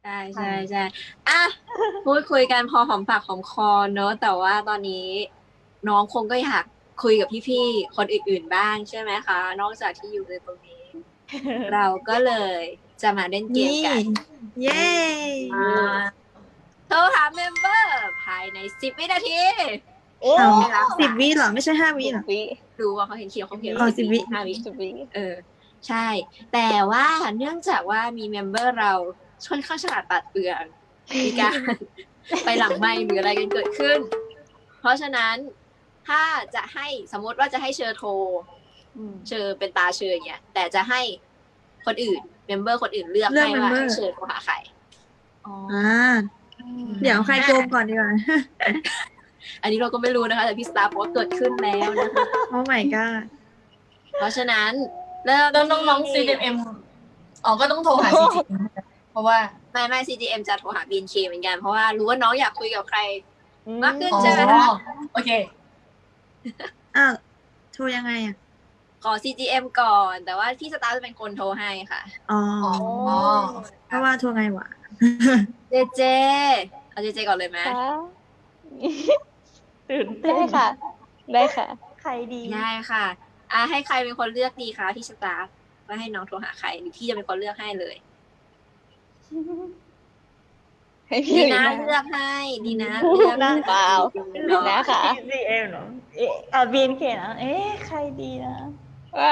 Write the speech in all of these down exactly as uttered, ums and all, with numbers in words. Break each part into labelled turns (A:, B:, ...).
A: ช่ใช่ใช่อ่ะพูดคุยกันพอหอมปากหอมคอเนอะแต่ว่าตอนนี้น้องคงก็อยากคุยกับพี่ๆคนอื่นๆบ้างใช่ไหมคะนอกจากที่อยู่ในตรงนี้เราก็เลยจะมาเล่นเกม
B: นี่
A: กัน
B: เย้
A: อ่าโทรหาเมมเบอร์ภายในสิบวินาที
C: โอ้
A: ไม่รับ
B: สิบ
A: สาย
B: วิเหรอไม่ใช่ห้าวิเหรอ
C: วิ
A: ดูว่าเขาเห็นเขียวเขาเขียน
B: อ๋อสิบวิ
A: ห้าวิ
C: สิบวิ
A: เออใช่ แต่ว่าเนื่องจากว่ามีเมมเบอร์เราค่อนข้างฉลาดปราดเปรื่อง มีการ ไปหลังไมค์หรืออะไรกันเกิดขึ้น เพราะฉะนั้นถ้าจะให้สมมติว่าจะให้เชอโทรเชอเป็นตาเชออย่างเงี้ยแต่จะให้คนอื่นเมมเบอร์คนอื่นเลือก
B: เลือก
A: ให้ว่า
B: member
A: ให้เชอโทรหาใคร
B: อ่าเดี๋ยวใครโกงก่อนดีกว่า
A: อันนี้เราก็ไม่รู้นะคะ แต่พี่สตาร์บอกว่าเกิดขึ้นแล้วนะคะ
B: โอ้ my god
A: เพราะฉะนั้นเริ่ม
D: แล้วน้องๆ ซี เอ็ม เอ็ม อ๋อ ก็ต้องโทรหา ซี จี เอ็ม เพราะว่า
A: ไม่ไม่ ซี จี เอ็ม จะโทรหา บี เอ็น เค เหมือนกัน เพราะว่ารู้ว่าน้องอยากคุยกับใครมากขึ้น
D: อ๋อ
A: ใช่ไหมคะ
D: โอเค
B: อ้าวโทรยังไงอ่ะ
A: ขอ ซี จี เอ็ม ก่อน แต่ว่าพี่สตาร์จะเป็นคนโทรให้ค่ะ
B: อ๋อ
D: อ๋อ
B: เพราะว่าโทรไงวะ
A: เจเจ เอาเจเจก่อนเลยไหม
C: ค่ะ
B: ตื่นเต้
C: ได้
B: น
C: ค่ะ ได้ค่ะ
B: ใครดี
A: ได้ค่ะ อ่ะให้ใครเป็นคนเลือกดีคะพี่สตาร์ว่าให้น้องโทรหาใครหรือพี่จะเป็นคนเลือกให้เลย
C: ให้พี่
A: ดี
C: ลี
A: นะ
C: น่า
A: เลือกให้ดีนะเลือกให้
C: เปล่า ลีน่าค่ะ
B: ซีเอ็มเหรอเอ๊ะอ่าบีเอ็นเคนะ เอ๊ะใครดีนะ
C: ว้าว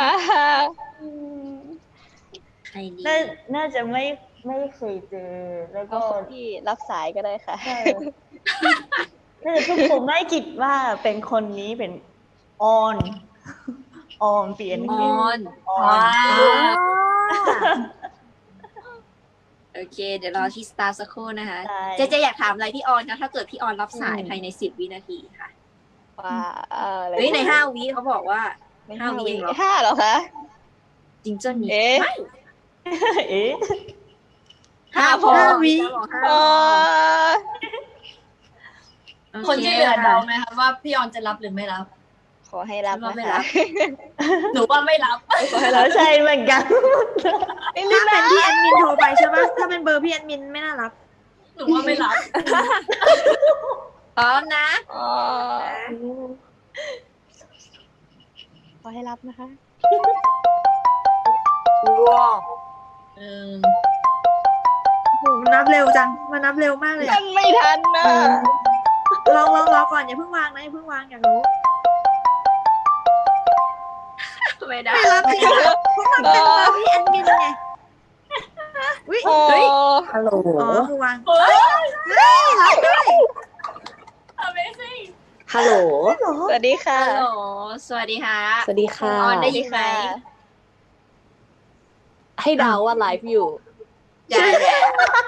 A: ใครดี
B: น่าน่าจะไม่ไม่เคยเจอ แล้วก็
C: เอาคนที่รับสายก็ได้ค่ะ
B: ใช่น่าจะทุกคนไม่คิดว่าเป็นคนนี้เป็นออนออนเปลี่ยน
A: ออน
B: ออ
A: ว้าน
B: ว
A: โอเค เดี๋ยวรอที่สตาร์สักครู่นะคะ
B: ได้
A: เจเจอยากถามอะไรพี่ออนคะถ้าเกิดพี่ออนรับสายภายในสิบวินาทีค่ะ
C: ว้าวอะไร
A: เฮ้ยในห้าวิเขาบอกว่า
C: ใน
A: ห้า
C: ห้า
A: วิ
C: วิ
A: เองเหรอ
C: ห้าเหรอคะ
A: จริงเจ้านี่
C: เอ๊ะ
A: ไม่
B: เอ๊ะ
A: ห้าพอ
B: ห้าวิ
A: จะบอกห้า
C: เอ
A: พอ
C: อ
A: โอ
D: คนที่เหลือเดาไหมคะว่าพี่ออนจะรับหรือไม่รับ
C: ขอให้รับ
A: ว่า
C: นะ
A: ไม่
C: คะ
A: รับ
D: หนูว่าไม่รับ
C: ขอให้
B: เรา
C: รับ
B: ใช่เหมือนกัน
C: ไม่รี
B: ถ้า
C: บ
B: เป็น
C: นะ
B: พี่แอดมินโทรไปใช่ปะถ้าเป็นเบอร์พี่แอดมินไม่น่ารับ
D: หนูว่าไม่รับ
A: พร้อมนะ
C: อ๋อขอให้รับนะคะ
A: ว้าว
D: เออ
B: โหนับเร็วจังมานับเร็วมากเลยอะ
C: มันไม่ทันนะ
B: ลองลองรอก่อนอย่าเพิ่งวางนะอย่าเพิ่งวางอยากรู้
A: ไม่ได้
B: ไม่รับจริงเหรอเพราะมันเป็นเบอร์พี่แอดมินไงอุ้ย
C: โอ้
A: เฮ้ย
E: ฮัลโหล
B: อ๋อคือวาง
D: เฮ้ย
B: เฮ้ยรับด้วย
D: Amazing
E: ฮัลโหล
B: เหรอ
C: สวัสดีค่ะ
A: ฮัลโหลสวัสดีค่ะ
E: สวัสดีค่ะ
A: ออนได้ยินไหม
E: ให้เดาว่าไลฟ์อยู่
A: ได้แล้ว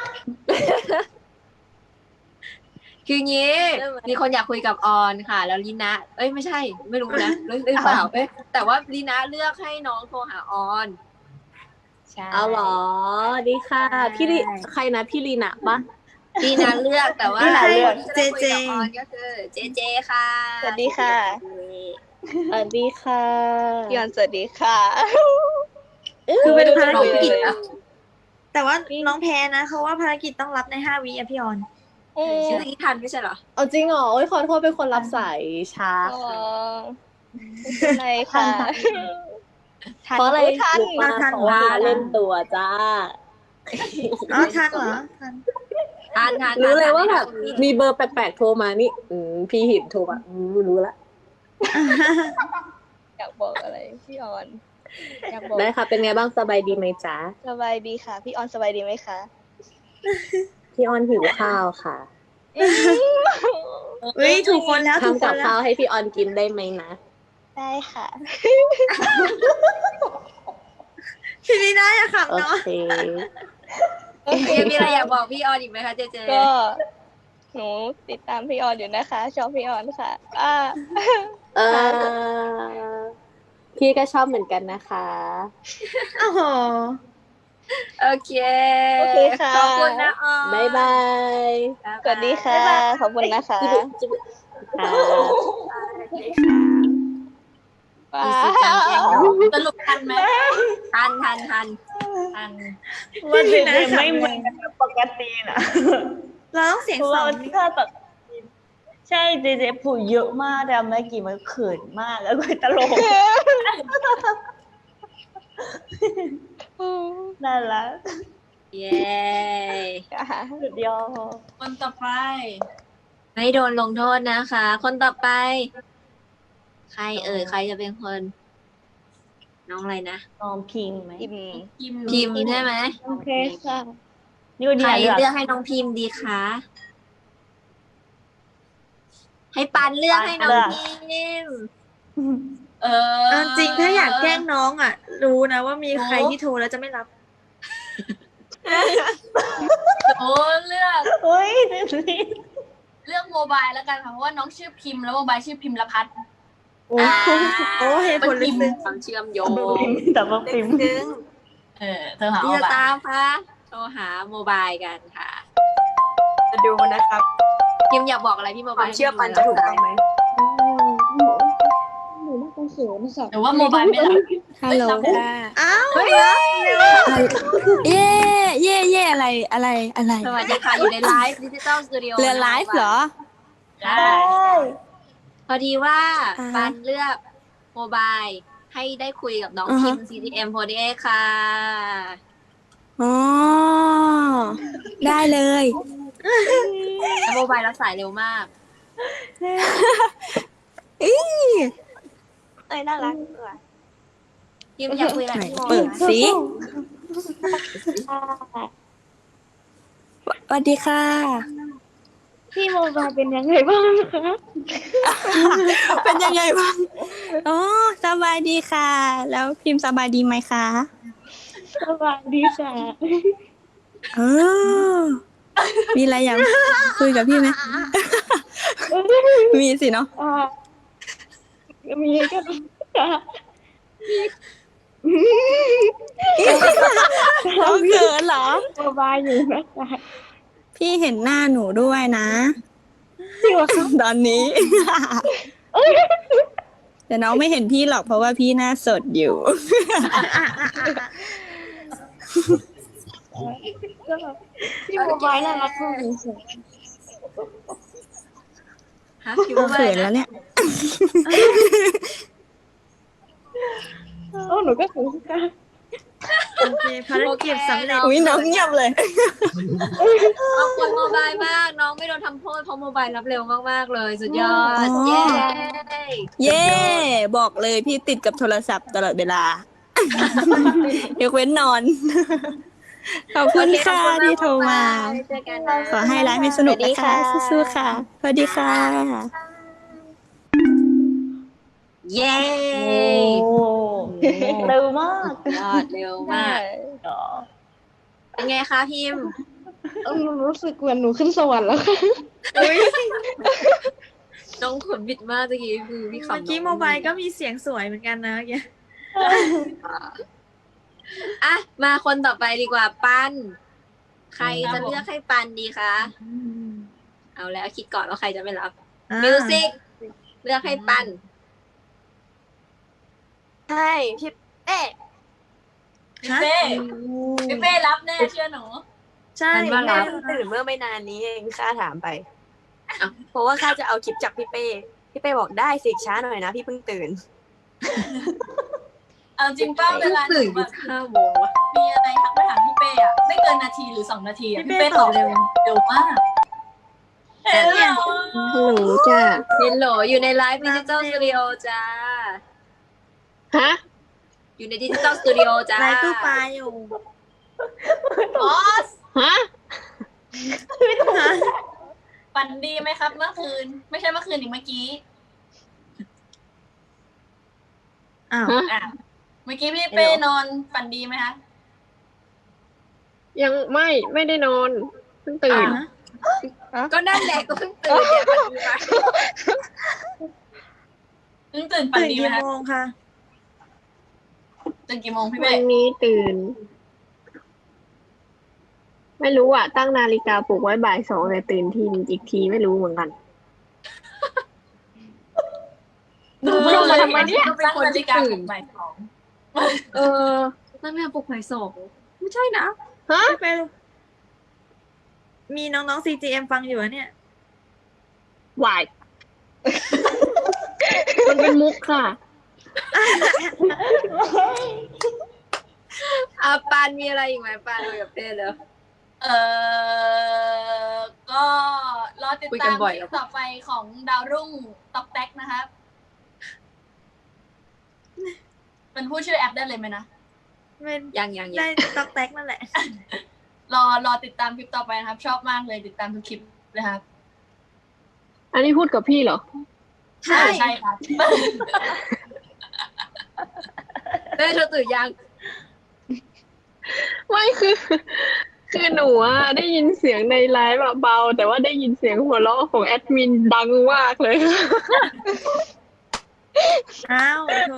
A: คืองี้ มีคนอยากคุยกับออนค่ะ แล้วลีน่าเอ้ยไม่ใช่ ไม่รู้นะหรือหรือเปล่าเอ้ยแต่ว่าลีน่าเลือกให้น้องโทรหาออน ใช่
E: เอาเหรอ ดีค่ะ
A: ใช่
E: พี่ลีใครนะพี่ลีนะปะ
A: ลีน่าเลือกแต่ว่า
B: ลีน่าเลือก
A: คนที่จะได้คุยกับออนก็คือเจเจค่ะ
C: สวัสดีค่ะ
E: สวัสดีค่ะ
C: พี่ออนสวัสดีค่ะ
B: คือเป็นภาร
A: น้อง
B: กิจ
A: กิจนะ
B: แต่ว่าน้องแพ้นะเพราะว่าภารกิจต้องรับในห้าวิอะพี่ออน
C: อืม
A: ชื่อนี้ทันไม่ใช่เหรอ
E: เอาจริงเหรอโอ้ยขอโทษเป็นคนรับสายช้า
C: อ๋อ
E: ค่ะ
C: ไม่เป็นไรค่ะ
E: เพราะอะไร
C: ทัน
E: รู้ปะ
B: ทัน
E: เพราะว่าเล่นตัวจ้า
B: อ๋อทันเหรอทัน
A: ทันทัน
E: รู้เลยว่าแบบ
A: ทัน
E: มีเบอร์แปลกๆโทรมานี่ อืมพี่หินโทรมาอืมรู้ละ
C: อยากบอกอะไรพี่ออน อยากบอก
E: ได้ค่ะ เป็นไงบ้างสบายดีไหมจ๊ะ
C: สบายดีค่ะ พี่ออนสบายดีไหมคะ
E: พี่ออนหิวข้าวค่ะ
B: เฮ้ยถูกคนแล้วถูก
E: ทำ
B: ค
E: กับ
B: นแล้
E: ข้าว วให้พี่ออนกินได้ไหมนะ
C: ได้ค่ะ
B: พี่ลีน่าอย่าขับ
E: โอ
B: เนาะ
E: เค
A: โอเคมีอะไรอยากบอกพี่ออนอีกไหมคะเจเจ
C: ก็ หนูติดตามพี่ออนอยู่นะคะ ชอบพี่ออนค่ะอ่า
E: เออพี่ก็ชอบเหมือนกันนะคะ
B: โอ้โห
A: โอเค
C: โอเคค่ะ
A: ขอบคุณนะออน
E: บ๊ายบาย
C: สวัสดีค่ะ ขอบคุณนะคะ
E: จิ๊บจิ๊บค่ะ
C: ว้า
A: มีสิทธิ์การแกล้งน้อง
D: สรุปทันไหม
A: ทันทันทัน
D: ทัน
B: ว่าเจเจไม่เหมือนกับปกตินะ
F: เราต้องเสียง
B: เพราะ
F: ส
B: ว่า
F: อง
B: ถ้าแบบใช่เจเจพูดเยอะมากแต่เมื่อกี้มันเขินมากแล้วก็ตลกน่ารัก
A: เย้
B: สุดยอด
D: คนต่อไป
A: ไม่โดนลงโทษนะคะ คนต่อไป ใครเอ่ยใครจะเป็นคน น้องอะไรนะ
B: น้องพิมพ์ไหม
C: อิม
D: กิม
A: พิมพ์ใช่ไหม
B: โอเคค่ะนี่ก็ดี
A: ใคร
B: นะ
A: เลือกให้น้องพิมพ์ดีคะให้ปันเลือกให้น้องพิมพ์
D: เออ
F: เอาจริงถ้าอยากแกล้งน้องอ่ะ รู้นะว่ามีใครที่โทรแล้วจะไม่รับ
D: โอ้เลือก
B: เฮ้ยเจเจ
D: เลือกโมบายแล้วกันค่ะเพราะว่าน้องชื่อพิมพ์แล้วโมบายชื่อพิมพ์ละพัฒน์
F: โอ้โอ้เหตุผลลึกซึ้ง
A: ความเชื่อมโยง
B: แต่ว่าพิมพ์
A: นึง
D: เออเธอหา
A: ที่
D: โม
A: จะ
D: บาย
A: ตามคะโทรหาโมบายกันค่ะ
E: จะดูนะครับ
A: พิมพ์อยากบอกอะไรพี่โม
E: ควา
A: บาย
E: มเชื่อปันจะถูกต้องไหม
D: หรือว่าโมบายไม่รับ
C: ฮัลโหล
D: เอ้ย
C: ค่ะ
F: อ้าว
C: เย่เย่เย่อะไรอะไรอะไร
A: สวัสดีค่ะ อยู่ในไลฟ์ดิจิตอลสตูดิโอ
C: เรือไลฟ์เหรอ
D: ได้
B: ได้
A: พอดีว่า
C: อ่าฮะ
A: ปันเลือกโมบายให้ได้คุยกับน้อง
C: อ่าฮะ
A: พิมพ์ ซี ที เอ็ม โฟร์ตี้เอท ค่ะ
C: อ๋อ ได้เลย
A: แล้วโมบายรับสายเร็วมาก
C: อี
E: เอ้ยน่ารัก
A: พิมพ์อยากคุยอะไรพี่โม
C: เปิดสิสวัสดีค่ะ
E: พี่โมบายเป็นยังไงบ้างคะ
C: เป็นยังไงบ้างอ๋อสบายดีค่ะ แล้วพิมพ์สบายดีไหมคะ
E: สวัสดีค่ะ
C: เออมีอะไรอยากคุยกับพี่ไหม มีสิเนาะ
E: อ่ามีกันค่ะ
C: เราเขินเหรอ
E: โมบายอยู่นะคะ
C: พี่เห็นหน้าหนูด้วยนะ ตอนนี้ แต่น้องไม่เห็นพี่หรอกเพราะว่าพี่หน้าสดอยู่
E: พี่โมบายน่ารักมากเลยค่ะ
A: ฮะพิมพ์ว่าอะ
C: เขิ
A: ไร
C: นแล้ว
A: นะ
C: เนี่ย
E: โอ้หนูก็สูงค่ะ
F: โอเคภารกิจสำเร็จ
C: อุ้ยน้องเงียบเลย
A: ขอบคุณโมบายมาก น้องไม่โดนทำโทษเพราะโมบายรับเร็วมากๆเลย สุดยอด
C: อ๋อ
A: เย้
C: เย่บอกเลยพี่ติดกับโทรศัพท์ตลอดเวลายกเว้นนอน ขอบคุณค่ะที่โทรมา
A: เจอกันนะ
C: ขอให้ไลฟ์ให้สนุกนะคะสู้ๆค่ะ สวัสดีค่ะ
A: เย้
B: โอ้เร็วมาก
A: ยอดเร็วมาก เป็นไงคะพิมพ์
E: เออหนูรู้สึกเหมือนหนูขึ้นสวรรค์แล้วค่ะ
A: น้องขนบิดมากตะกี้คือพี่ขำ
F: เมื่อกี้โมบายก็มีเสียงสวยเหมือนกันนะเมื่อกี้
A: อ่ะ มาคนต่อไปดีกว่าปัน ใครจะเลือกให้ปันดีคะ เอาแล้วคิดก่อนว่าใครจะไม่รับ
F: อ่า
A: มิวสิกเลือกให้ปัน
E: ใช่พี่เอ๊ะ
D: พี่เป้พี่เป้รับแน่เชื่อหนู
F: ใช่
A: มันว่า
E: แม่
A: รับ
E: เพิ่งตื่นเมื่อไม่นานนี้เองข้าถามไป
A: อ้าว
E: เพราะว่าข้าจะเอาคลิปจากพี่เป้ พี่เป้บอกได้สิช้าหน่อยนะพี่เพิ่งตื่น
D: เอาจริงป้าเวลาหนู
A: ตื่นอ
D: แบ
A: ยู่
D: บ
A: ห้าโมงวะ
D: มีอะไรทักไปถามพี่เป้อะไม่เกินนาทีหรือสองนาทีอะ
F: พี่
D: พี่
F: เป้
D: เป้
F: ต
D: ต
F: อ
D: อ
F: บบ เร็ว
D: เร็วมากเห็นเหรอ
C: หนูจ้ะ
A: เฮลโหลอยู่ในไลฟ์ดิจิตอลสตูดิโอจ้า
E: ฮะ
A: อยู่ในดิจิตอลสตูดิโอจ้า
F: ไลฟ์ตู้ปลาอยู่
D: บอส
E: ฮะ
D: ฝันดีไหมครับเมื่อคืน ไม่ใช่เมื่อคืนอีกเมื่อกี้
F: อ้าว
D: อ่ะเมื่อกี้พี่เป้นอนฝันดีไหมคะ
E: ยังไม่ไม่ได้นอนเพิ่งตื่น
F: อ่ะ
A: ก็นั่นแหละก็เพิ่งตื่นเนี่ยปันดีมา
D: เพิ่งตื่นฝัน
F: ตื่น
D: ดีไหม
F: กี่
D: คะ
F: โมงคะ
D: ตื่นกี่โมงพี่
E: วั
D: เป้
E: นนี้ตื่น ไม่รู้อ่ะ ตั้งนาฬิกาปลุกไว้บ่ายสองแต่ตื่นทีอีกทีไม่รู้เหมือนกัน
D: ดู
E: ลงมาทำไมเนี่ย
A: ก็เป็น
D: ตั้ง
A: คน
D: นาฬิ
A: ที่
D: กาป
A: ตื่
D: ลุ
A: น
D: กบ่ายสอง
A: เออตั้งแต่ปลุกบ่ายสองไม่ใช่นะ
E: ฮะ
F: ไปมีน้องๆ ซี จี เอ็ม ฟังอยู่อะเนี่ย
E: วาย มันเป็นมุกค่ะ
A: อาปานมีอะไรอีกไหมปานคุยกับเป้เลย
D: เออก็รอติด
A: คุยกั
D: ตาน ม
A: บ่อย
D: ค
A: เหร
D: ลิ
A: อ
D: ปต่อไปของดาวรุ่งต๊อกแท็กนะครับเป็นผู้ชื่อแอปได้เลยไหมนะ
F: เป็น
A: ยังยังยั
F: ได้
A: ง
F: ตอกแตกนั่นแหละ
D: รอรอติดตามคลิปต่อไปนะครับ ชอบมากเลยติดตามทุกคลิปนะครับ
E: อันนี้พูดกับพี่เหรอ
D: ใช่ใช่ครับ
A: เป้เธอตื่นยัง
E: ไม่คือ คือหนูอะได้ยินเสียงในไลฟ์แบบเบา แต่ว่าได้ยินเสียงหัวเราะของแอดมินดังมากเลย
F: อ้าวโถ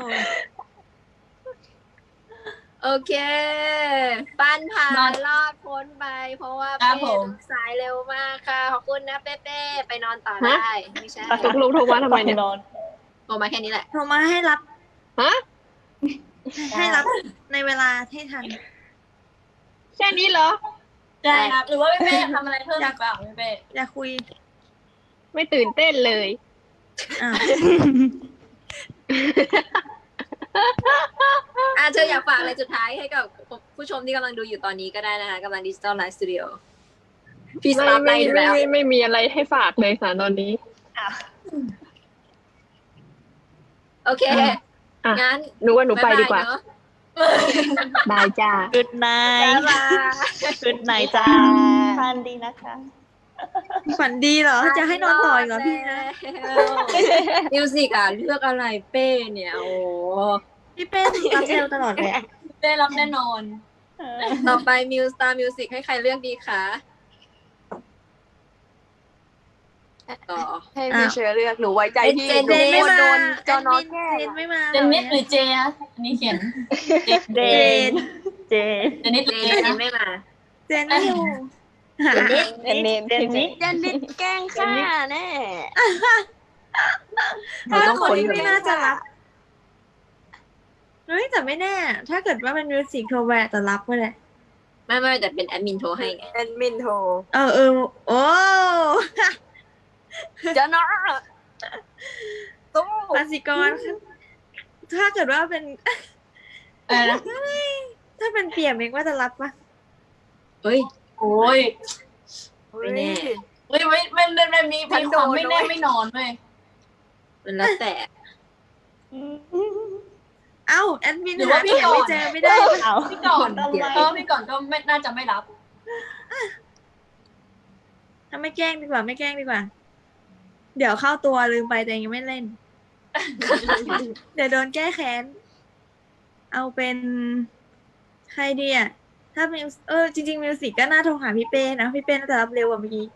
A: โอเคปานผ่าน
D: นอน
A: รอดพ้นไป เพราะว่า
D: ครั
A: เป้
D: บผม
A: สายเร็วมากค่ะ ขอบคุณนะเป้เป้ไปนอนต่อได้ไม่ใช่
E: ตกลงโทรมาทำไมเนี่ย
B: นอน
A: โทรมาแค่นี้แหละ
F: โทรมาให้รับ
E: ฮะ
F: ให้รับในเวลาให้ทัน
E: แค่นี้เหรอ
D: ใช่ครับ หรือว่าพี่เป้ทำอะไรเพิ่มอีกเปล่าพี่เป้
F: อยากคุย
E: ไม่ตื่นเต้นเลย
F: อ้าว
A: อ่ะเธออยากฝากอะไรสุดท้ายให้กับผู้ชมที่กำลังดูอยู่ตอนนี้ก็ได้นะคะกำลังดิจิตอลไลฟ์สตูดิโอพี่ส
E: ไม่
A: ตาร์ท
E: ไม่
A: ได้อยู่
E: ไม่
A: แล้ว
E: ไม่ไม่มีอะไรให้ฝากเลยค่ะตอนนี้
A: โอเค
E: อ่ะ
A: งั้น
E: หนูว่าหนูไปดีกว่า
A: บ๊ยบยเนอะ
E: บายจ้า
B: Good
A: บ๊าย
B: night
A: บาย
B: Good night จ้าฟันดีนะคะ
F: ฝันดีเหรอ จะให้นอนต่ออีกเหรอพี่นะ
A: มิวสิกอ่ะเลือกอะไรเป้เนี่ยโอ้
F: พี่เป้รับเร็วตลอดเลย
D: ได้รับแน่นอน
A: ต่อไปมิวสตาร์มิวสิกให้ใครเลือกดีคะต่อ
C: ให้พี่เชอร์เลือกหนูไว้ใจพี่
A: เจน
C: หนู
F: เจนไม่
C: กลัว
F: มา
C: โดนเจ้าน้องแกล้
F: เจ
C: ง
F: นไม่มา
D: เจนนิดหรือเจอะอันนี้เขียน
B: เจน เจน
D: เจนนิดห
A: เจ
D: รือเจ
A: น
D: นะ
A: ไม่มา
F: เจนไม่อยู่
B: เจนนิดเจนนิดเจนนิด
C: จะนิดแกล้งข้าแน่
A: เราต้อง
F: คน
A: คน
F: ที่
A: กัน
F: ไม่น่าจะรับเฮ้ยแต่ไม่แน่ ถ้าเกิดว่าเป็นมิวสิกโทรแวร์แต่รับก็ได้
A: ไม่ไม่แต่เป็นแอดมินโทรให้ไง
C: แอดมินโทร
F: เออเออโอ้
C: จะน้องตู้
F: ภาษีกร ถ้าเกิดว่าเป็น
D: อะไรนะ
F: ถ้าเป็นเปี่ยมเองว่าจะรับปะ
A: เฮ้ย
D: โอ้ย
A: ไม่แน่
D: เฮ้ยไม่ไม่ไม่ไม่มีมีความไม่แน่ไม่นอนเว้ย
A: มันแล้วแต่
F: เอ้าแอดมิน
D: หรือว่า
F: หา
D: พี่
F: เปี่ยม
D: ก่อน
F: ไม่เจอไม่ได้ปะ
B: เอา
D: พี่ก่อน
B: ทำไม
D: เออพี่ก่อนก็ไม่น่าจะไม่รับ
F: ถ้าไม่แกล้งดีกว่าไม่แกล้งดีกว่า เดี๋ยวเข้าตัวลืมไปแต่ยังไม่เล่น เดี๋ยวโดนแก้แค้น เอาเป็นใครดีอ่ะ ถ้ามิวเออจริงๆมิวสิกก็น่าโทรหาพี่เป้นะ พี่เป้น่าจะรับเร็วกว่าเมื่อกี้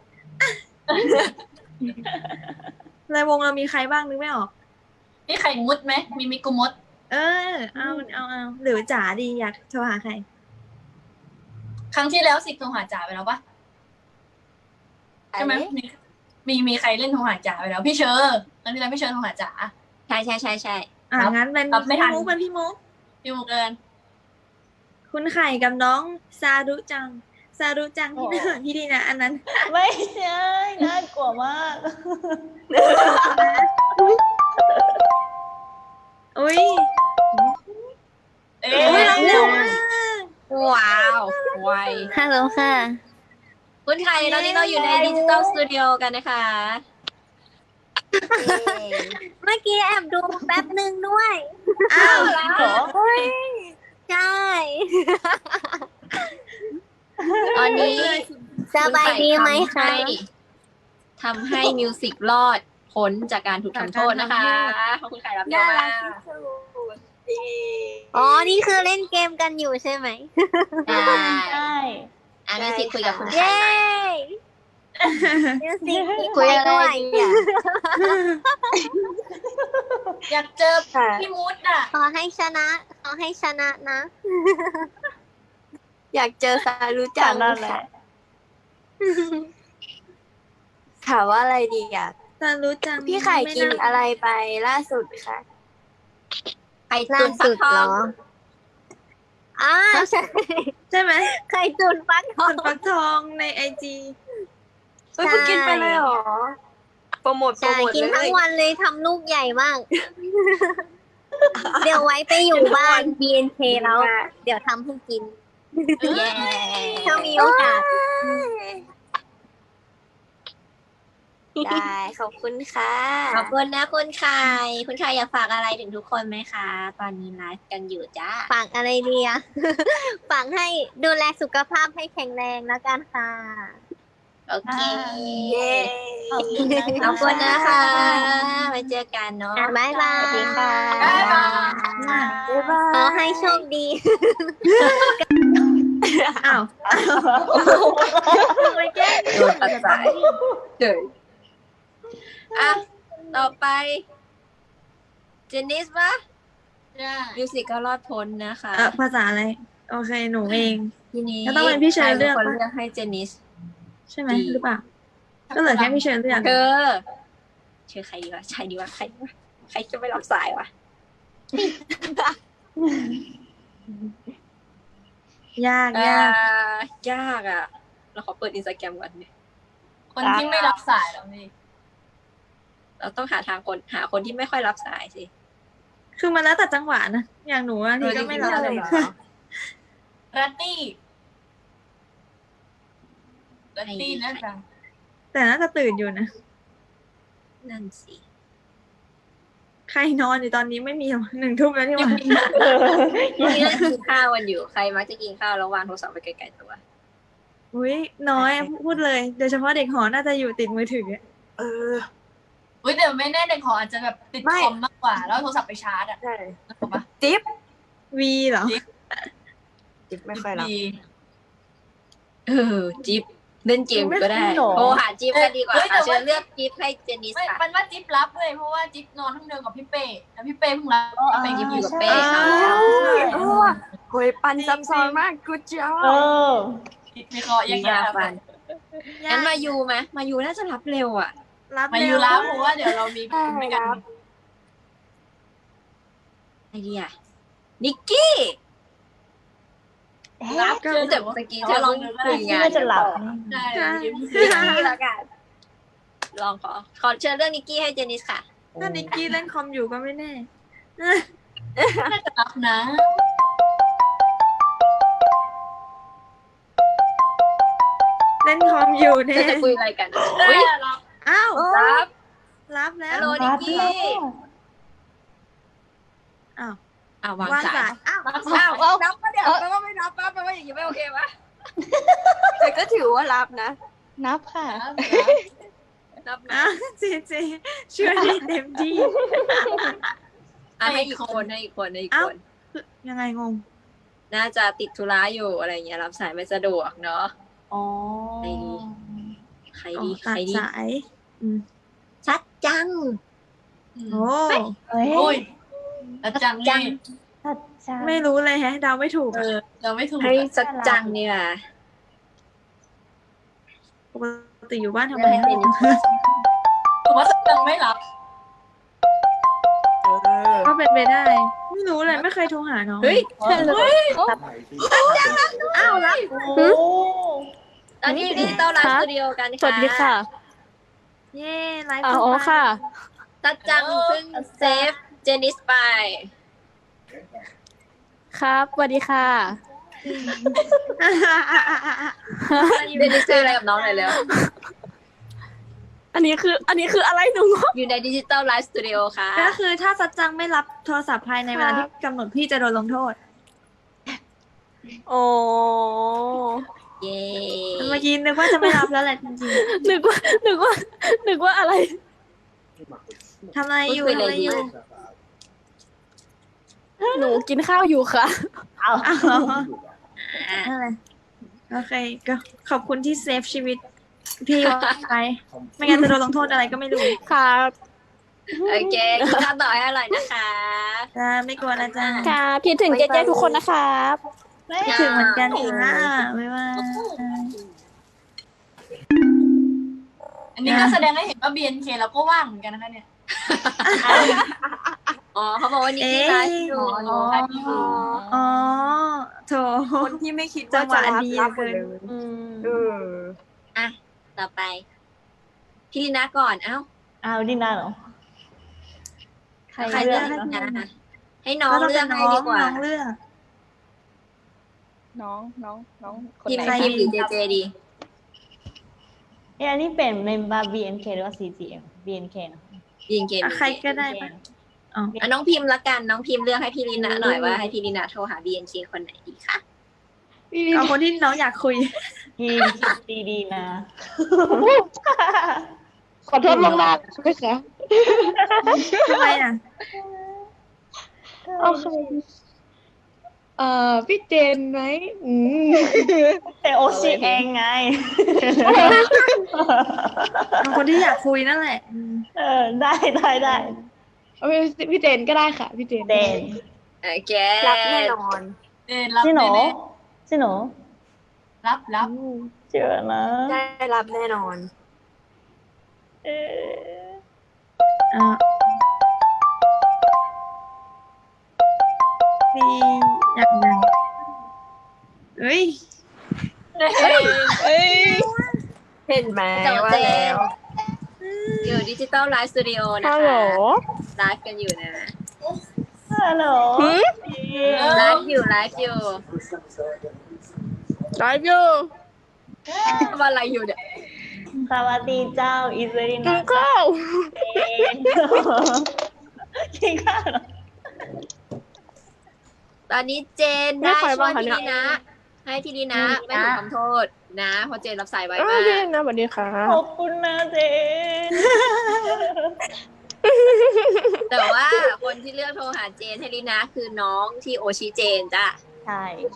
F: รายวงเรามีใครบ้างนึกไม่ออก
D: นี่ไข่มุดไหมมีมิกุมด
F: เออ เอาเอาเอาหรือจ๋าดีอยากโทรหาใคร
D: ครั้งที่แล้วสิโทรหาจ่าไปแล้วปะใช่ไหมมีมีมีใครเล่นโทรหาจ่าไปแล้ว พี่เชอร์ครั้งที่แล้วพี่เชอร์โทรหาจ่า
A: ใช่ใช่ใช่ใช่
F: อ่า
D: รับ
F: งั้นเป็น
D: รับไม่
F: พี่
D: ทัน
F: มุกเป็นพี่มุก
D: พี่มุกเกิน
F: คุณไข่กับน้องซารุจัง ซารุจังที่น่าพี่ดีนะ อันนั้น
B: ไม่ใช่น่ากลัวมาก
F: อุ้ย
D: เอ๊
F: อุ้ยรับเร็ว
D: ะ
F: มาก
A: ว้าวไว
C: ฮัลโหลค่ะ
A: คุณไข่ตอนนี้เราอยู่ในดิจิตอลสตูดิโอกันนะคะ
C: เมื่อกี้แอบดูแป๊บหนึ่งด้วย
F: อ้าว
B: เหรอ
C: ใช่
A: ตอนนี้
C: สบายดีไหมคะ
A: ทำให้มิวสิกรอดพ้นจากการถูกทำโทษนะคะ ขอบคุณไข่รับเยอะมาก
C: อ๋อ นี่คือเล่นเกมกันอยู่ใช่ไหม
A: ใช่
B: ใช่
A: อ่ะมิวสิกคุยกับคุณไข่
C: เย้
A: หน่อย
C: มิวสิกคุยอะไรดีอ่ะ
D: อยากเจอพี่มุดอ่ะ
C: ขอให้ชนะ ขอให้ชนะนะ อยากเจอซารุจั
B: จาง นั่นแหละ
C: ถามว่าอะไรดีอ่ะ
F: ซารุจัง
C: พี่ไข่กิน
F: ม่า
C: อะไรไปล่าสุดคะ
A: ข่
G: ล่า
A: ตุ๋นฟั
G: สุ
A: ก
G: ด
A: ท
G: เหร
A: อง
G: ออ่าใช่
F: ใช่ไหม
G: ไข่ตุนฟักทอ
F: ตุ
G: ง
F: นฟักทองในไอจี
C: เฮ้ยเพิ่งกินไปเลยเหรอ โปรโมทโปร
G: ใช่
C: โมท
G: กิน
C: เล
G: ทั้ง
C: ย
G: วันเลยทำลูกใหญ่มาก เดี๋ยวไว้ไปอยู่บ้าน บี เอ็น เค แล้ว เดี๋ยวทำให้กิน
A: เย้
G: ถ้ามีโอกาส
C: ได้ขอบคุณค่ะ
A: ขอบคุณนะคุณไข่คุณไข่อยากฝากอะไรถึงทุกคนไหมคะ ตอนนี้ไลฟ์กันอยู่จ้า
G: ฝากอะไรดีอะ ฝากให้ดูแลสุขภาพให้แข็งแรงแล้วกันค่ะ
A: โอเค
C: เย้
B: ขอบคุณนะ
A: ขอบคุณนะคะไว้เจอกันเนาะ
G: บ๊ายบาย
B: สวัสดีค่ะ
D: บ๊ายบาย
C: บ๊ายบาย
G: ขอให้โชคดี
F: อ้าวทำไมแกล้ง
A: โดนตัดสายเฉยอ่ะ ต่อไป เจนนิสปะ
D: จ้า
A: มิวสิกก็รอดพ้นนะคะ
F: เออภาษาอะไร โอเคหนูเอง
A: ทีนี้
F: แล้วต้องเป็นพี่เชอร์เลือก
A: ใครเป็นคน
F: ปะ
A: เลือกให้เจนนิส
F: ใช่ไหม
A: ดี
F: หรือเปล่า ก็เหลือแค่พี่เชิญเลือก
A: เธอเชื่อใครดีวะใช่ดีวะใครดีวะใครจะไม่รับสายวะ
F: ยาก
A: อ่าย
F: าก
A: ยากอ่ะ เราขอเปิดอินสตาแกรมก่อนดิ
D: คนที่ไม่รับสายแล้วนี่
A: เราต้องหาทางคนหาคนที่ไม่ค่อยรับสายสิ
F: คือมันแล้วแต่จังหวะนะ อย่างหนูอันนี้ก็ไม่รับเลย
D: รัตตี้รัตตี้นะจ๊ะ
F: แต่น่าจะตื่นอยู่นะ
A: นั่นสิ
F: ใครนอนอยู่ตอนนี้ไม่มีหรอกหนึ่งทุ่มแล้วที่ว่า
A: พวกนี้นั่งกินข้าวกันอยู่ ใครมักจะกินข้าวแล้ววางโทรศัพท์ไปไกลๆตัว
F: อุ้ยน้อยพูดเลย โดยเฉพาะเด็กหอน่าจะอยู่ติดมือถืออะ
C: เออ
D: อุ้ยแต่ไม่แน่เด็กขออาจจะแบบติด
C: ไม่
D: คอมมากกว่า แล้วโทรศัพท์ไปชาร์จอ่ะ
C: ใช่
D: ถูกปะ
C: จิ๊บ
F: วีเหรอ
C: จิ๊บไม่ค่อยรับ
D: ดี
A: เออ จิ๊บเล่นเกมก็ได้
B: ไม่หรอ
A: โทรหาจิ๊บกันดีกว่า
D: เฮ้ยแต่
A: ค่ะ
D: ว่า
A: เชิญเลือกจิ๊บให้เจนนิส
D: ไม่
A: ค่ะ
D: มันว่าจิ๊บรับเลยเพราะว่าจิ๊บนอนห้องเดียวกับพี่เป้แล้วพี่เป้เพิ่งรับ
B: อ๋อ
D: พี่เป้จิ๊บอยู่กับ
B: ใช่
D: เป้
A: ค่ะ
C: เออโหยปันซับซ้อนมากกูเจ้า
B: เออ
D: มีคอแยกแยะ
A: ฟันงั้นมายูไหมมายูน่าจะรับเร็วอ่ะ
F: รับ
D: มา
F: เร็
D: อยู่
F: ว
D: รับเพราะว่าเดี๋ยวเรามีไม่กัน
A: ไอเดียนิกกี้
D: รับ
F: ก็
D: เชื่อ
A: แต่
D: แต่ว่า
A: ตะกี้เธอลองคุย
B: ที่
A: งาน
B: น่าจะหลับ
D: ใช่
F: ใช่
A: นิกกี้ละกันลองขอ ขอเชิญเรื่องนิกกี้ให้เจนนิสค่ะ
F: ถ้านิกกี้เล่นคอมอยู่ก็ไม่แน่
D: น่าจะรับนะ
F: เล่นคอมอยู่แน่
A: เธอจะคุยอะไรกันอุ้ย
D: รับ
F: อ้าว
A: รับ
F: รับแล้
A: ฮั
F: ว
A: ลโหลนิกกี้
F: อ้าว
A: อ้าววาง
F: วาง
A: สา
F: สาย ยอ้าว
D: รับ
A: อ้าว
D: สาย
A: รับปะเดี๋ยวแปลว่าไม่รับปะแปลว่าอย่างนี้ไม่โอเควะ
C: แต่ก็ถือว่ารับนะ
B: นับค่ะ
A: รับไหม
F: อ้าวเจเจช่วยได้เต็มที่
A: อ่ะให้อีกคนให้อีกคนให้อีก
F: เอ้า
A: คน
F: ยังไงงง
A: น่าจะติดธุระอยู่อะไรเงี้ยรับสายไม่สะดวกเนาะ
B: อ๋อ
A: ใคร
F: อ๋อ
A: ดีใค
F: ตั
A: ร
F: ด
A: ดี
F: สายอืม
A: ชัดจัง
F: โอ้
B: เฮ้ย
D: โอ้ยแล้วจัง
A: จั
D: นี่
A: ง
B: ชัดจัง
F: ไม่รู้เลยแฮะเดาไม่ถูก
D: เออเราไม่ถูก
A: ให้
D: อะ
A: ชัดจังเนี่ย
F: ปกติอยู่บ้านทำไม
A: เรื่องนี้
D: ผมว่าจังไม่รับ
C: เออ
F: ก็เป็นไปได้ ไม่รู้เลยไม่เคยโทรหาน้อง
A: เฮ้ย
F: อ้าวรับ
B: โอ้
A: ตอนนี้อยู่ที่ดิจิตอลไลฟ์สตูดิโอกันค่ะ
E: สวัสดีค่ะ
F: เย่ไลฟ์
E: อ๋
F: ส
E: อ
F: ด
E: ค่ะ
A: ชัดจังเพิ่งเซฟเจนิสไป
E: ครับสวัสดีค่ะ
A: เจนิสเจออะไรกับน้องหน่อยเร็ว
E: อันนี้คือ อันนี้คืออะไรหนูงง
A: อยู่ในดิจิตอลไลฟ์สตูดิโอค่ะ
F: ก็คือถ้าสัจจังไม่รับโทรศัพท์ภายในเวลาที่กำหนดพี่จะโดนลงโทษ
E: โอ้
A: เย้
F: เมื่อกี้นึกว่าจะไม่รับแล้วแหละจริง
E: นึกว่า นึกว่า นึกว่าอะไร
F: ๆทำอะไรอยู่ทำอะไรอยู่
E: หนูกินข้าวอยู่ค่ะ
B: เอา
F: อ้าว
A: อ่ะ
F: อะไรโอเคก็ขอบคุณที่เซฟชีวิต พี่ไว้ไม่งั้นจะโดนลงโทษอะไรก็ไม่รู้
E: ครับ
A: โอเคกินข้าวต่อให้อร่อยนะคะ
F: จ้าไม่กลัวนะจ้า
E: ครับคิดถึงเจ๊ๆทุกคนนะครับ
F: คิดถึงเหมือนกันค่ะไม่ว่า
D: อันนี้ก็แสดงให้เห็นว่า บี เอ็น เค เราก็ว่างเหมือนกันนะคะเนี่ย
A: อ๋อเขาบอกว่านิกกี้ไลฟ์อยู่
D: อ๋ออันนี้อยู่
F: อ๋อโถ
C: คนที่ไม่คิด
F: จั
C: ว่าง
F: ห
C: จะ
F: วะ
C: รับ
F: ดี
C: รับหม
F: เกิ
C: ด
F: น
C: เลย
B: อืม
C: เออ
A: อ่ะต่อไปพี่ลีนาก่อนเอ้า
B: เอาดินาเหรอ ใคร
A: ใคร
B: เลื
A: เลื
B: อ
A: อก ก
B: ให้
A: ให้นะให้น้อง
F: ก็ต้อง
A: เลื
F: เป็
A: อน ก
F: น้
A: ให้
F: อง
A: ดีกว่า
F: น้องเลือก
C: น้องน้องน้องคน
A: พิม
C: ไหน
A: พ์พิมพ์หรือเจเจดี
B: เอ้ยอันนี้เป็นเมมเบอร์ บี เอ็น เค หรือว่า ซี จี เอ็ม บี เอ็น เค นะ
A: ยิงเกม
F: อ่ะใครก็ได้ปะอ๋อ
A: อ่ะน้องพิมพ์ละกันน้องพิมพ์เลือกให้พี่ลีนาหน่อยว่าให้พี่ลีนาโทรหา บี เอ็น เค คนไหนดีคะ
F: เอาคนที่น้องอยากคุย
B: ทีมคิดดีๆนะ
E: ขอโทษล่วงหน้าใช่ไหมคะ
F: ทำไมอ่ะ
E: โอเคเอ่อพี่เจนไหมอืม
B: แต่โอชิเองไง
F: เอาคนที่อยากคุยนั่นแหละอืม
B: เออ ได้ได้ได้
E: เอาเป็นพี่เจนก็ได้ค่ะ พี่เจน
B: เดน
A: โอเค
C: รับแน่นอน
D: เจนรับ
B: ชิโน
D: แน่
B: ชิโน
D: ๆรับรับ
B: เจอนะ
C: ได้รับแน่นอน
B: เออ
F: เอ่อพี่อยากดังเฮ้ย
C: เอ้ย เห็นไหม
A: เจ้า
C: ว่า
A: เจ
C: แล้ว
A: อยู่ดิจิตอลไลฟ์สตูดิโอนะ
E: ฮัลโหล
A: คะไลฟ์กันอยู่นะ
B: ฮัลโหล
A: ไลฟ์อยู่ไลฟ์อยู่
C: ไลฟ์อยู่
A: ทำอะไรอยู่เนี่ย
B: สวัสดีเจ้า อิสริ
C: กิ
B: นาน
C: ข้าว
B: เองกินข้าวเหรอ
A: ตอนนี้เจนได้ช่วยพี่ลีนะให้พี่ลีนะไม่ถูกทำโทษนะเพราะเจนรับสายไว
E: อ้าว
A: มาก
E: เจนนะสวัสดีค่ะ
B: ขอบคุณนะเจน
A: แต่ว่าคนที่เลือกโทรหาเจนให้ลีนะคือน้องที่โอชิเจนจ้ะ
B: ใช่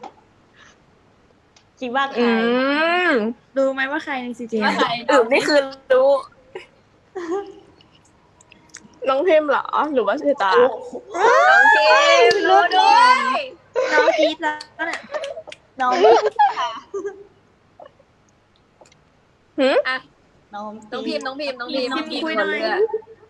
B: คิดว่าใคร
C: อืม
F: รู้ไหมว่าใครในซีเจ
D: ว่าใคร
C: อืมนี่คือรู้ น้องพิมพ์เหรอ หรือว่าชื่อตา
A: น้องเจนรู้ด้วย
F: น้องกรีดแล้วเนี่ย
B: น้อง
A: อ่ะ
B: น้อง
A: น้องพิมพ์น้องพิมพ์น้องพิมพ์
F: พิมพ์คุย
A: ค
F: หน่
A: น
F: อย
A: เลือก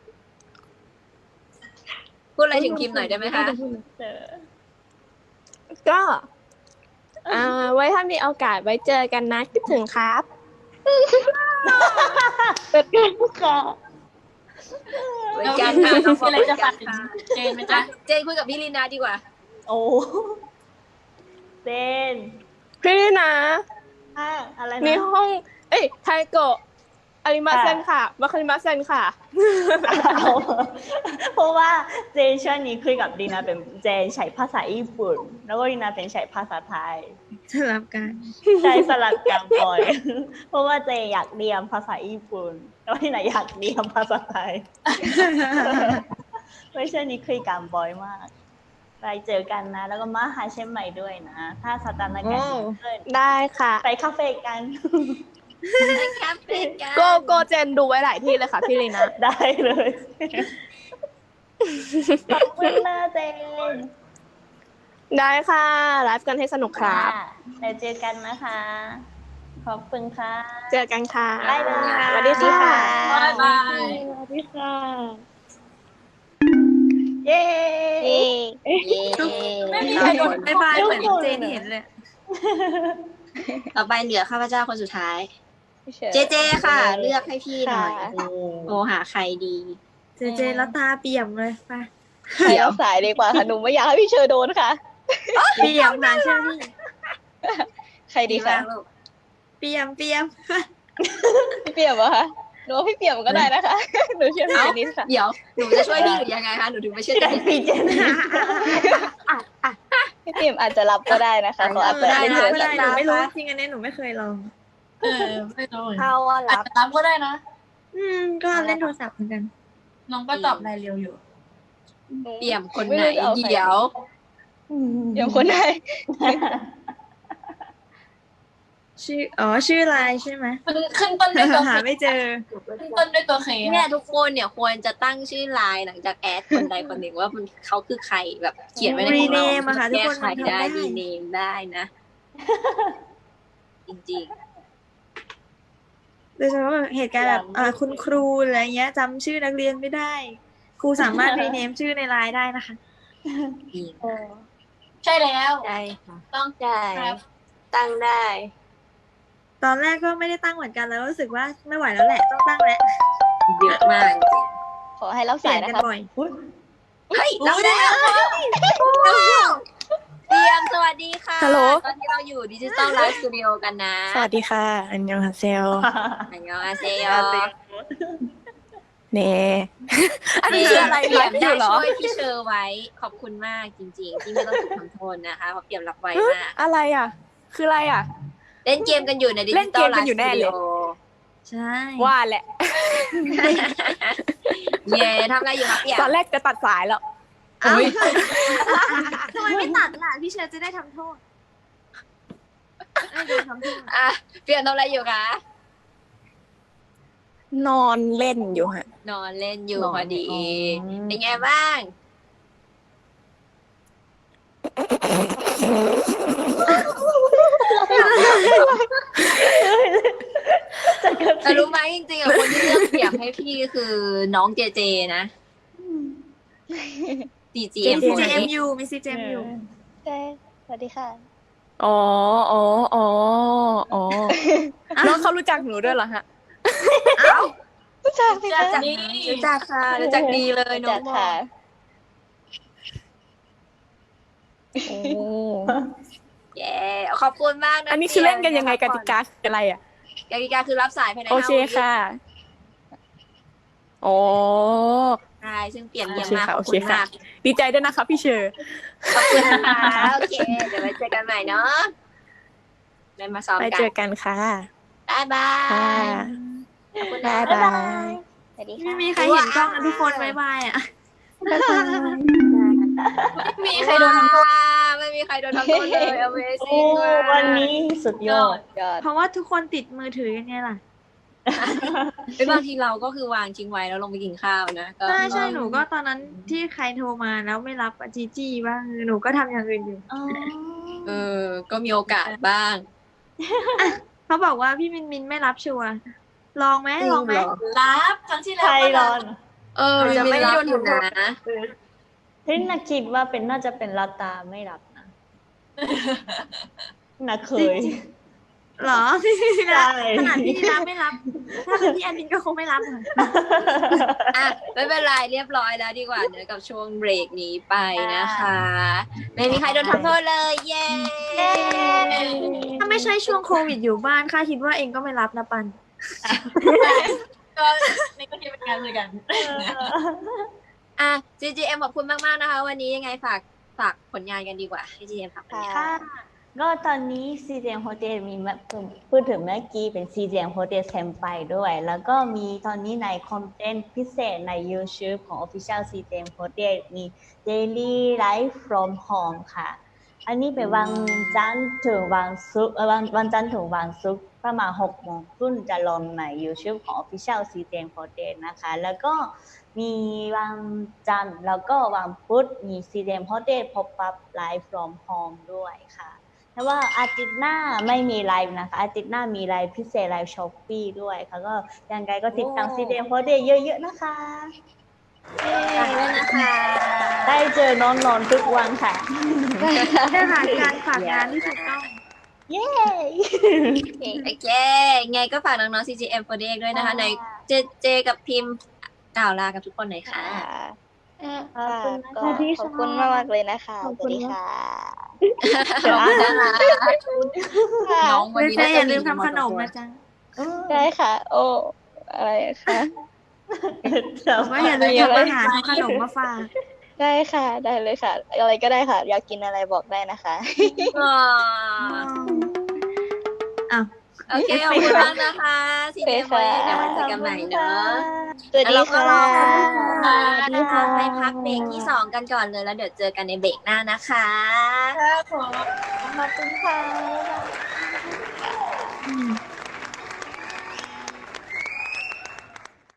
A: พูดอะไรถึงพิมพ์หน่อยได้ไหมคะ
B: เจอ
E: ก็ อ่า ไว้ถ้ามีโอกาสไว้เจอกันนะคิดถึงครับเป็นกันค่ะ
A: เหมือน
D: เรา
A: กัน
D: มี
A: ค่ะน้องบ
D: อะ
A: อก
D: ไร
A: เหมือน
D: จะ
A: กั
D: ฝาก
A: น
D: ถึง
A: ค่ะ
D: เจนไหม
A: อ่ะ
D: จ๊ะ
A: เจนคุยกับพี่ลีนาดีกว่า
B: โอ้เจน
E: พี่นะ
B: อ่ะอะไร
E: มี
B: นะ
E: ห้อง เอ้ยไทโกะอาริมาเซนค่ะมาคาริมาเซนค่ะ
B: เอาเพราะว่าเจนช่วงนี้คุยกับดีนาเป็นเจนใช้ภาษาญี่ปุ่น แล้วก็ดีนาเป็นใช้ภาษาไทย
F: สลับกัน
B: ใช้สลับกันบ่อย เพราะว่าเจอยากเรียนภาษาญี่ปุ่น แล้วดีนาอยากเรียนภาษาไทย ไม่ใช่นี้คุยกันบ่อยมาก ไปเจอกันนะ แล้วก็มาหาเชียงใหม่ด้วยนะ ถ้าสถานการณ์ดีขึ้น
E: ได้ค่ะ
B: ไปคาเฟ่กัน
A: ไปแคปเป็นกัน
E: โกโกเจนดูไว้หลายที่เลยค่ะพี่ลีนะ
B: ได้เลย ขอบคุณนะเจน
E: ได้ค่ะไลฟ์กันให้สนุกครับ
B: ะเดี๋ยวเจอกันนะคะ ขอบคุณค่ะ
E: เจอกันค่ะ
B: บ๊ายบาย
E: สวัสดีค่ะ
D: บ๊ายบาย
E: สวัสดีค่ะ
B: เย้
A: เย้
D: ไม่มีใครโดน
F: บ๊ายบายเหมือนเจนเห็นเลย
A: ต่อไปเหลือข้าพเจ้าคนสุดท้าย เจเจค่ะ เลือกให้พี่หน่อยโทรหาใครดี
F: เจเจแล้วตาเปี่ยมเลยไป
C: เดี๋ยวสายดีกว่าค่ะ หนูไม่อยากให้พี่เชอโดนค่ะ
F: เปี่ยมนะเชื่อพี่
C: ใครดีคะ
A: มากลูก
F: เปี่ยมเปี่ยม
C: พี่เปี่ยมเหรอคะหนูว่าพี่เปี่ยมก็ได้นะคะ หนูเชื่อพี่เจนนิสค่ะ
A: เดี๋ยวหนูจะช่วยพี่หรือยังไงคะหนูถึงไม่เชื่อใจ
B: พี่เจน
C: พี่เปี่ยมอาจจะรับก็ได้นะคะเขาอาจจะ
F: ได้
C: เล่น
F: นะ
C: โทร
F: ไม่
C: ศั
F: ได้
C: พท์
F: หนูไม่รู้จริงอันนี้หนูไม่เคยลอง
D: เออไม่รู้เหมือนกัน
C: ถ้าว่า
D: อาจ
C: รับ
D: จะรับก็ได้นะ
F: อืมก็เล่นโทรศัพท์เหมือนกัน
D: น้องก็ตอบรายเร็วอยู่
A: เปี่ยมคน
C: ไม่
A: ไหน
C: รู้จะอาใคร
A: เดี๋ยว
C: เดี๋ยวคนไหน
F: ชื่ออ๋อชื่อไลน์ใช่ไหม
D: ขึ้นขึ้นต้นด้วยตัว
F: หา
D: เค
F: ไม่เจอ
D: ขึ้นต้นด้วยตัวเค
A: เนี่ยทุกคนเนี่ยควรจะตั้งชื่อไลน์หลังจากแอดคนใดคนหนึ่งว่ามันเขาคือใครแบบเขียนไว้ในของเรา
F: Rename อะค่ะทุกคน
A: แก้ไข
F: มันทำได้
A: ได้ดีเนมได้นะ จริง
F: โดยเฉพาะแบบเหตุการณ์แบบอ่าคุณครูอะไรเงี้ยจำชื่อนักเรียนไม่ได้ครูสามารถรีเนมชื่อในไลน์ได้นะคะ
B: เออ
D: ใช่แล้ว
C: ได้ค่ะ
D: ต้อง
C: ได้
D: ครับ
C: ตั้งได้
F: ตอนแรกก็ไม่ได้ตั้งเหมือนกันแล้วรู้สึกว่าไม่ไหวแล้วแหละต้องตั้งแล้ว
A: เยอะมากจริง
G: ขอให้รับ
F: เปลี่
G: สาย ย
F: น
G: นะ
F: กัน
G: ครับ
F: บ่อย
B: อุ๊ย
A: เฮ้ยเราแล้วเตรียมสวัสดีค่ะ
C: ฮัลโหล
A: ตอนนี้เราอยู่ดิจิตอลไลฟ์สตูดิโอกันนะ
C: สวัสดีค่ะ อันยองฮาเซล
A: อันยองอาเซโย
C: เน่อันนี้คืออะไร
A: เตรี
C: ไล
A: ยม
C: ฟ์อ
A: ได้
C: ยู่เหรอ
A: ช่วยพี่เชอร์ไว้ ขอบคุณมากจริงๆ ที่ไม่ต้องถูกทำโทษนะคะเพราะเตรียมรับไว้มาก
C: อะไรอ่ะ คืออะไรอ่ะ
A: เล่นเกมกันอยู่ในดิ
C: เล่
A: จิ
C: น
A: ตอ
C: เก
A: ล
C: ม
A: ไล
C: กัน
A: ฟ์
C: อยู่
A: ส
C: แน่
A: ตู
C: เล
A: ดิ
C: ย
A: โอ
F: ใช่
C: ว่าแหละ
A: เย่ทำอะไรอยู่ครับเปี่ยม
C: ตอนแรกจะตัดสายแล้ว
F: เอ้าทำไมไม่ตัดล่ะพี่เชอร์จะได้ทำโทษไม่โดนทำโทษ
A: อ่ะเปี่ยมทำอะไรอยู่คะ
C: นอนเล่นอยู่ฮะ
A: นอนเล่นอยู่
B: นอน
A: พอดี
B: อ๋อ
A: เป็นไงบ้าง แต่รู้ไหมจริงๆอ่ะคนที่เลือกเสียงให้พี่คือน้องเจเจนะ ซี จี เอ็ม
F: มี
A: คน
F: ซี เจ เอ็ม
A: นี้
F: ยูมี ซี เจ เอ็ม ยู
G: ใช่สวัสดีค่ะ
C: อ๋ออ๋ออ๋ออ๋อน้องเขารู้จักหนูด้วยเหรอฮะ
G: รู้จักไหมคะ
D: นี่
A: รู้จักค่ะรู้จักดีเลยน้อ
G: จั
A: ง
G: ก
A: บอ
G: ค่ะ
A: ก
C: โอ้
A: เย้ขอบคุณมากนะ
C: อันนี้คือเล่นกันยังไงกติกาคืออะไรอ่ะ
A: กติกาคือรับสายภายใน
C: โอ
A: ห้า
C: เค
A: วิ
C: ค่ะ อ๋อ
A: ใช่ซึ่งเปลี่ยนเยี่ยม
C: โอเค
A: มาก
C: ค่ะ
A: ขอบ
C: โอ
A: คุ
C: เค
A: ณ
C: ค่ะ
A: มาก
C: ดีใจด้วยนะคะพี่เชอร์
A: ขอบคุณนะคะโอเค เดี๋ยวไว้เจอกันใหม่เนาะได้มาซ้อม
C: ไป
A: กั
C: เจ
A: น
C: อกันค่ะ
A: บ๊ายบา
C: ค่ะ
A: ยขอบคุณนะ
C: บ๊ายบาย
G: สวัสดี
F: ไม่
G: ค่ะ
F: มีใครเห็นกล้องกันทุกคนบายบายอ่ะ
D: มีใครโดนทำโทษ
A: ว้าวไม่มีใครโดนทำโทษเลย
B: โอ้
A: Amazing มาก
B: วันนี้สุดยอด
G: ยอด
F: เพราะว่าทุกคนติดมือถือกันไงล่ะ
A: เฮ้ยบางทีเราก็คือวางทิ้งไว้แล้วลงไปกินข้าวนะก็
F: ใช่ใช่หนูก็ตอนนั้นที่ใครโทรมาแล้วไม่รับอะจีจี้บ้างหนูก็ทำอย่างอื่นอยู่
A: เออ ก็มีโอกาสบ้าง
F: เขาบอกว่าพี่มินมินไม่รับชัวร์ลองไหมลองไหม
D: รับครั้งที่แล้
B: ใคร
D: วก็
B: ร
D: รั
B: อบ น
A: เออ
F: จะไม่
A: ไม่
F: โด
A: โด
F: น
A: นอยู่
F: ทำโทษ
A: นะ
B: ที่น่าคิดว่าเป็นน่าจะเป็นลาตาไม่รับนะน่าเคย
F: เหรอ
B: ใช่
F: ขนาดพี่รับไม่รับ ถ้าเป็นพี่แอนมินก็คงไม่รับค่ะ
A: อ่ะไม่เป็นไรเรียบร้อยแล้วดีกว่าเนอะกับช่วงเบรกนี้ไปนะคะ ไม่มีใครโดนทำโทษเลย เย้
F: ถ้าไม่ใช่ช่วงโควิดอยู่บ้านค่าคิดว่าเองก็ไม่รับนะปัน
D: ก็นี่ก็คิดเป็นงานเหมือนกัน
A: อ่ะ จี จี เอ็ม ขอบคุณมากๆนะคะ วันนี้ยังไงฝากฝากผลงานกันดีกว่า จี จี เอ็ม ฝากผลงาน
G: ค่ะ
B: ก็ตอนนี้ ซี เจ เอ็ม Hotel มีมาพูดถึงเมื่อกี้เป็น ซี เจ เอ็ม Hotel แซมไปด้วย แล้วก็มีตอนนี้ในคอนเทนต์พิเศษใน YouTube ของ Official ซี เจ เอ็ม Hotel มี Daily Life from Home ค่ะ อันนี้เป็นวันจันทร์ถึงวันศุกร์เอ่อวันวันจันทร์ถึงวันศุกร์ประมาณหกโมงครึ่งจะลงใน YouTube ของ Official ซี เจ เอ็ม Hotel นะคะ แล้วก็มีวันจันทร์แล้วก็วันพุธมี ซี เจ เอ็ม Hotel Pop-up Live from Home ด้วยค่ะแต่ว่าอาทิตย์หน้าไม่มีไลฟ์นะคะ อาทิตย์หน้ามีไลฟ์พิเศษไลฟ์ช้อปปี้ด้วยค่ะก็ยังไงก็ติดตาม ซี เจ เอ็ม Hotel เยอะๆนะคะ
A: ฝากด้วยนะคะ
B: ได้เจอน้องๆทุกวันค่ะ
F: ได้หาการฝากงานที่ถูกต้อง
B: เย้
A: โอเค ไงก็ฝากน้องๆ ซี จี เอ็ม for Day ด้วยนะคะ ในเจเจกับพิมพ์กล่าวลากับทุกคนหน่อยค่ะ
G: ค่ะ
B: ขอบคุณนะ
G: ก็
B: คะที่
G: ขอบคุณมากมากๆเลยนะคะ
B: ขอบ
G: ส
B: คุ
G: วั
B: ณ
G: สดีค่ะ
A: ขอบคุณนะคะน้องวันนี้
F: เจ๊
A: น่า
F: อ
A: จะ
F: ย่า
A: มี
F: ลืมทำขนมนะจ๊ะ
G: ได้ค่ะ โอ้อะไรคะ
F: บอกว่าอย่าลืมทำอาหารทำขนมมาฝาก
G: ได้ค่ะ ได้เลยค่ะ อะไรก็ได้ค่ะ อยากกินอะไรบอกได้นะคะ
A: อ๋อ
F: อ้าว
A: โอเค ขอบคุณมากนะคะ ซี เจ เอ็ม for Day เดี๋ยวมาเจอกันใหม่เนอะ
G: สวัสดี
A: แล้วเราก็
G: ค่ะ
A: รอคุณผู้ชม
B: สวัสดี
A: นะคะ
B: ค่ะ
A: ไปพักเบรกที่สองกันก่อนเลย แล้วเดี๋ยวเจอกันในเบรกหน้านะคะ
D: ครับผม
G: ขอบคุณค่ะ
F: อืม